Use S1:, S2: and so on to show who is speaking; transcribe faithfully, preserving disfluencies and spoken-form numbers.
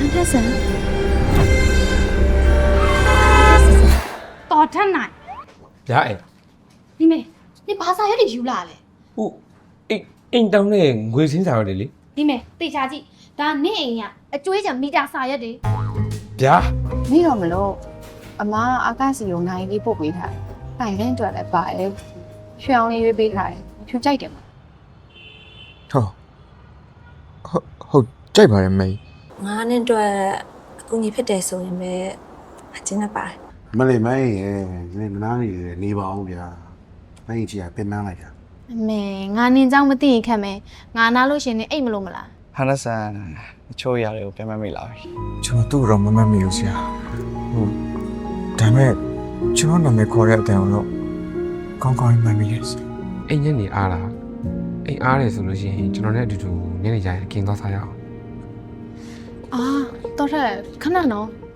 S1: ထက်ဆန်တော်ထက်နိုင်
S2: ဗျာအဲ့
S1: ဒီမေဒီဘာသာရက်တွေယူလာလဲ
S2: ဟုတ်အိမ်အိမ်တောင်းတဲ့ငွေစင်းစာရတယ်လေ
S1: ဒီမေတေချာကြည့်ဒါနေ့အိမ်ကအကျွေးချံမီတာစာရက်တွေ
S2: ဗျာ
S3: နေတော့မလို့အမအာကာစီကိုနိုင်လေးပို့ပေးထားတယ်။တိုင်လင်းအတွက်လည်းပါတယ်။ရွှေအောင်လေးရွေးပေးထားတယ်။ဖြူကြိုက်တယ်မ
S4: ဟောဟုတ်ဟုတ်ကြိုက်ပါတယ်မေ
S5: ငါနဲ့အတွက်အကူကြီးဖြစ်တယ်ဆိုရင်ပဲအကျဉ်းနဲ့ပါတယ်
S6: မလေးမိုင်းရဲ့နေမနာနေတယ်နေပါအောင်ဗျာမိုင်းကြီးကပြင်ပန်းလိုက်တာ
S1: အမေငါနင်းเจ้าမသိရင်ခက်မယ်ငါနားလို့ရှင်နေအိတ်မလို့မလား
S7: ဟာနဆန်အချို့ຢာတွေကိုပြန်မမိလာပြီ
S4: ကျွန်တော်သူ့တော့မမတ်မိဘူးဆရာဟုတ်ဒါပေမဲ့ကျွန်တော်နာမည်ခေါ်တဲ့အတန်တော့ကောင်းကောင်းမှတ်မိရဲ့
S2: အိမ်ညက်နေအားလားအိမ်အားတယ်ဆိုလို့ရှိရင်ကျွန်တော်နဲ့အတူတူညနေကျရင်กินသွားစားရအောင်
S1: အာတော်ထက်ခဏနော်